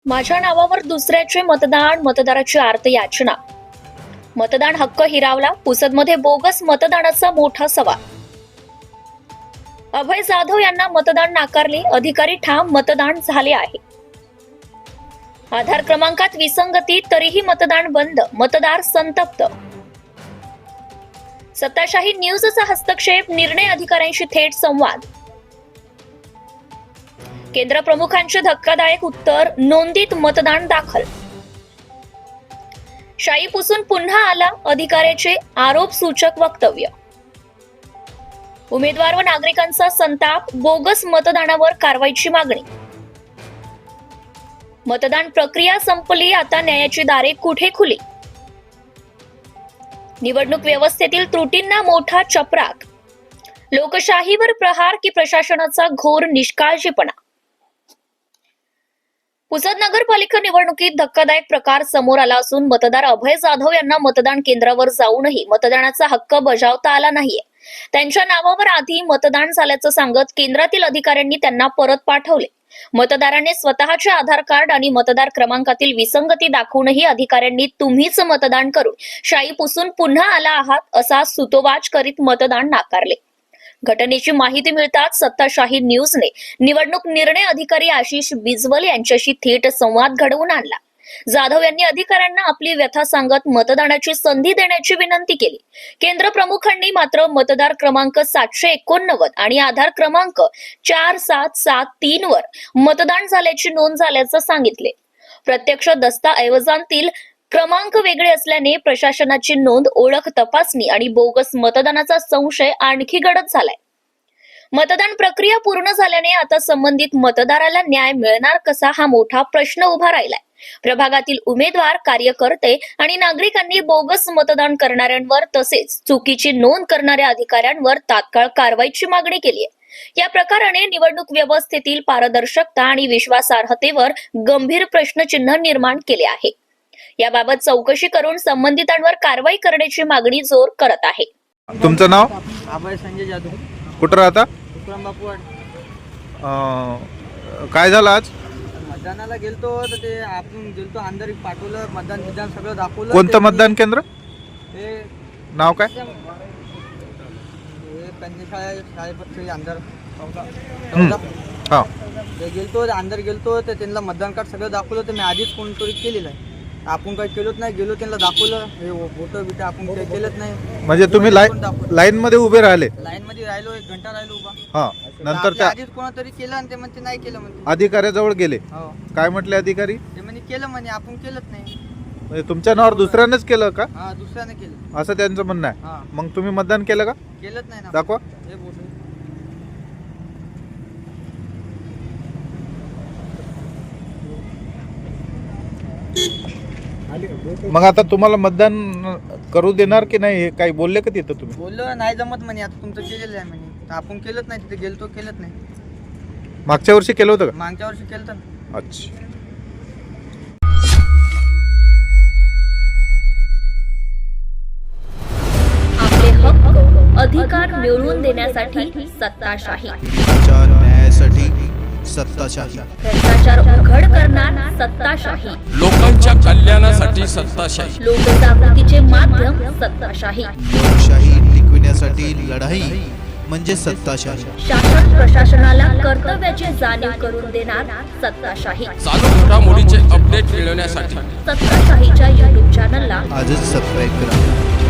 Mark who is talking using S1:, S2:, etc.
S1: माझ्या नावावर दुसऱ्याचे मतदान, मतदाराची आर्त याचना. मतदान हक्क हिरावला, पुसदमध्ये बोगस मतदानाचा मोठा सवाल. अभय जाधव यांना मतदान नाकारले, अधिकारी ठाम मतदान झाले आहे. आधार क्रमांकात विसंगती, तरीही मतदान बंद, मतदार संतप्त. सत्ताशाही न्यूजचा हस्तक्षेप, निर्णय अधिकाऱ्यांशी थेट संवाद. केंद्र प्रमुखांचे धक्कादायक उत्तर, नोंदीत मतदान दाखल. शाई पुसून पुन्हा आला, अधिकाऱ्याचे आरोपसूचक वक्तव्य. उमेदवार व नागरिकांचा संताप, बोगस मतदानावर कारवाईची मागणी. मतदान प्रक्रिया संपली, आता न्यायाची दारे कुठे खुली. निवडणूक व्यवस्थेतील त्रुटींना मोठा चपराक. लोकशाहीवर प्रहार की प्रशासनाचा घोर निष्काळजीपणा. पुसद नगरपालिका निवडणुकीत धक्कादायक प्रकार समोर आला असून मतदार अभय जाधव यांना मतदान केंद्रावर जाऊनही मतदानाचा हक्क बजावता आला नाहीये. त्यांच्या नावावर आधी मतदान झाल्याचं सांगत केंद्रातील अधिकाऱ्यांनी त्यांना परत पाठवले. मतदाराने स्वतःचे आधार कार्ड आणि मतदार क्रमांकातील विसंगती दाखवूनही अधिकाऱ्यांनी तुम्हीच मतदान करून शाई पुसून पुन्हा आला आहात असा सुतोवाच करीत मतदान नाकारले. घटनेची माहिती मिळताच सत्ताशाही न्यूजने निवडणूक निर्णय अधिकारी आशिष बिजवल यांच्याशी थेट संवाद घडवून आणला. जाधव यांनी अधिकाऱ्यांना आपली व्यथा सांगत मतदानाची संधी देण्याची विनंती केली. केंद्र प्रमुखांनी मात्र मतदार क्रमांक 789 आणि आधार क्रमांक 4773 वर मतदान झाल्याची नोंद झाल्याचं सांगितले. प्रत्यक्ष दस्तऐवजांतील क्रमांक वेगळे असल्याने प्रशासनाची नोंद, ओळख तपासणी आणि बोगस मतदानाचा संशय आणखी गडद झालाय. मतदान प्रक्रिया पूर्ण झाल्याने आता संबंधित मतदाराला न्याय मिळणार कसा, हा मोठा प्रश्न उभा राहिलाय. प्रभागातील उमेदवार, कार्यकर्ते आणि नागरिकांनी बोगस मतदान करणाऱ्यांवर तसेच चुकीची नोंद करणाऱ्या अधिकाऱ्यांवर तात्काळ कारवाईची मागणी केली आहे. या प्रकाराने निवडणूक व्यवस्थेतील पारदर्शकता आणि विश्वासार्हतेवर गंभीर प्रश्नचिन्ह निर्माण केले आहे. याबाबत चौकशी करून संबंधितांवर कारवाई करण्याची मागणी जोर करत आहे.
S2: तुमचं नाव?
S3: अभय संजय जाधव.
S2: कुठं राहता?
S3: बापूवाड.
S2: काय झालं आज?
S3: मतदानाला गेलतो तर ते आपण गेलतो, अंदर पाठवलं, मतदान सगळं दाखवलं.
S2: कोणतं मतदान केंद्र?
S3: हे
S2: नाव काय?
S3: शाळेपत्र अंदर
S2: हा.
S3: ते गेलतो, अंदर गेलतो तर त्यांना मतदान कार्ड सगळं दाखवलं. तर मी आधीच कोणतरी केलेलं आहे, आपण काही केलंच नाही. गेलो त्यांना दाखवलं, हे फोटो बिटो आपण काही केलंच नाही.
S2: म्हणजे तुम्ही लाईन मध्ये उभे राहिले?
S3: लाईन मध्ये राहिलो, 1 घंटा राहिलो उभा.
S2: हा. नंतर त्या
S3: आधीच कोणातरी केलं आणि ते म्हणते नाही केलं म्हणते.
S2: अधिकाऱ्याजवळ गेले?
S3: हो.
S2: काय म्हटले अधिकारी?
S3: ते म्हणे केलं म्हणे, आपण केलंच नाही.
S2: म्हणजे तुमच्या नावावर दुसऱ्यानेच केलं का?
S3: हा, दुसऱ्याने केलं
S2: असं त्यांचं म्हणणं आहे.
S3: हा.
S2: मग तुम्ही मतदान केलं का?
S3: केलंच नाही ना.
S2: दाखवा.
S3: हे बोट.
S2: मग आता तुम्हाला मतदान करू देणार की नाही, हे काही बोलले का तिथं तुम्ही?
S3: बोललो नाही जमत म्हणे, आता तुमचं केलेलं आहे म्हणे. तर आपण केलंच नाही, तिथे गेलतो केलंच नाही.
S2: मागच्या वर्षी केलं होतं का?
S3: मागच्या वर्षी केलं ना.
S2: अच्छा.
S1: आपले हक्क अधिकार मिळवून देण्यासाठी सत्ताशाही,
S4: न्यायासाठी सत्ताशाही,
S1: भ्रष्टाचार उघड करणार सत्ताशाही,
S5: लोकांच्या कल्याणासाठी सत्ताशाही,
S1: लोकजागृतीचे माध्यम सत्ताशाही,
S4: लोकशाही टिकविण्यासाठी लढाई म्हणजे सत्ताशाही,
S1: शासन प्रशासनाला कर्तव्याची जाणीव करून देणार सत्ताशाही.
S5: चालू घडामोडीचे अपडेट मिळवण्यासाठी
S1: सत्ताशाहीच्या YouTube चॅनलला
S4: आजच सबस्क्राईब करा.